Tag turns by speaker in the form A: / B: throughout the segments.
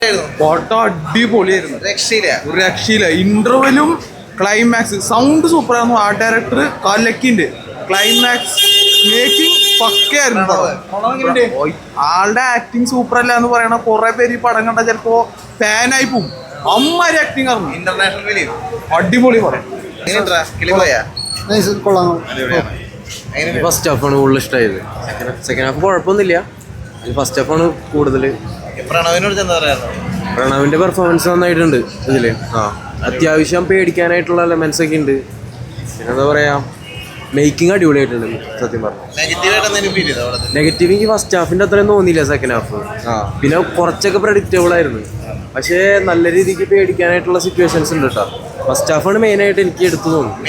A: Photo അടിപൊളിയായിരുന്നു, രക്ഷയില്ല. ഇന്റർവെലും climax sound സൂപ്പറായിരുന്നു. ആ ഡയറക്ടർ കലക്കിന്റെ ക്ലൈമാക്സ് മേക്കിംഗ് പക്കയായിരുന്നു. ആളുടെ ആക്ടിങ് സൂപ്പർ അല്ല എന്ന് പറയണ കുറെ പേര് ഈ പടം കണ്ട ചിലപ്പോ ഫാനായി പോവും. അമ്മാരി ആക്ടിങ് ആയിരുന്നു, ഇന്റർനാഷണൽ ഫിലിം. അടിപൊളി പടം.
B: ഫസ്റ്റ് ഹാഫാണ് കൂടുതൽ ഇഷ്ടമായത്. സെക്കൻഡ് ഹാഫ് കുഴപ്പമൊന്നുമില്ല. ഫസ്റ്റ് ഹാഫാണ് കൂടുതൽ. പ്രണവിന്റെ പെർഫോമൻസ് നന്നായിട്ടുണ്ട് ഇതില്. അത്യാവശ്യം പേടിക്കാനായിട്ടുള്ള എലമെന്റ്സ് ഒക്കെ ഉണ്ട്. പിന്നെന്താ പറയാ, മേക്കിംഗ് അടിപൊളിയായിട്ടുണ്ട് സത്യം പറഞ്ഞു. നെഗറ്റീവ് എനിക്ക് ഫസ്റ്റ് ഹാഫിന്റെ അത്രയും തോന്നിയില്ല. സെക്കൻഡ് ഹാഫ് പിന്നെ കുറച്ചൊക്കെ പ്രഡിക്റ്റബിൾ ആയിരുന്നു. പക്ഷേ നല്ല രീതിക്ക് പേടിക്കാനായിട്ടുള്ള സിറ്റുവേഷൻസ് ഉണ്ട് കേട്ടോ. ഫസ്റ്റ് ഹാഫാണ് മെയിൻ ആയിട്ട് എനിക്ക് എടുത്തു തോന്നുന്നു.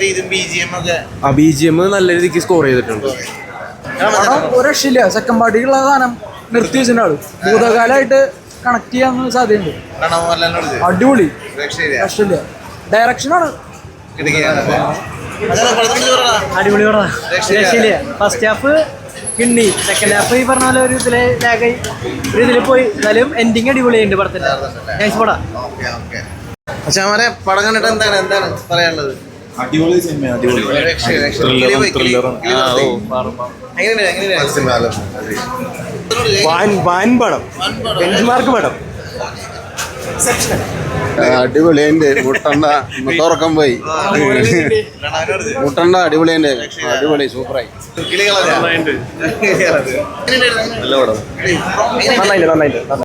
B: BGM നല്ല രീതിക്ക് സ്കോർ ചെയ്തിട്ടുണ്ട്.
C: ഒരു രക്ഷയില്ല. സെക്കൻഡ് പാർട്ടിക്കുള്ള സാധനം നിർത്തി വെച്ചിട്ടുണ്ടാവും. ഭൂതകാലമായിട്ട് കണക്ട് ചെയ്യാൻ സാധ്യതയുണ്ട്. അടിപൊളി, രക്ഷയില്ല. ഡയറക്ഷനാണ്
D: അടിപൊളി പടം, രക്ഷയില്ല. ഫസ്റ്റ് ഹാഫ് കിണ്ണി, സെക്കൻഡ് ഹാഫ് ഈ പറഞ്ഞ പോലെ ഒരു ഇതിലെ ലാഗായി ഒരു ഇതിൽ പോയി. എന്നാലും എൻഡിങ് അടിപൊളിയുണ്ട് പടത്തിന്റെ. നൈസ് പടം.
E: പടം കണ്ടിട്ട് എന്താണ് പറയാനുള്ളത്?
A: അടിപൊളി സിനിമ, പടം, ബെഞ്ച്മാർക്ക് പടം.
F: അടിപൊളി. മുട്ടണ്ട തുറക്കം പോയി. മുട്ടണ്ട അടിപൊളി. അടിപൊളി, സൂപ്പറായി.
A: നല്ല പടം. നന്നായിട്ട്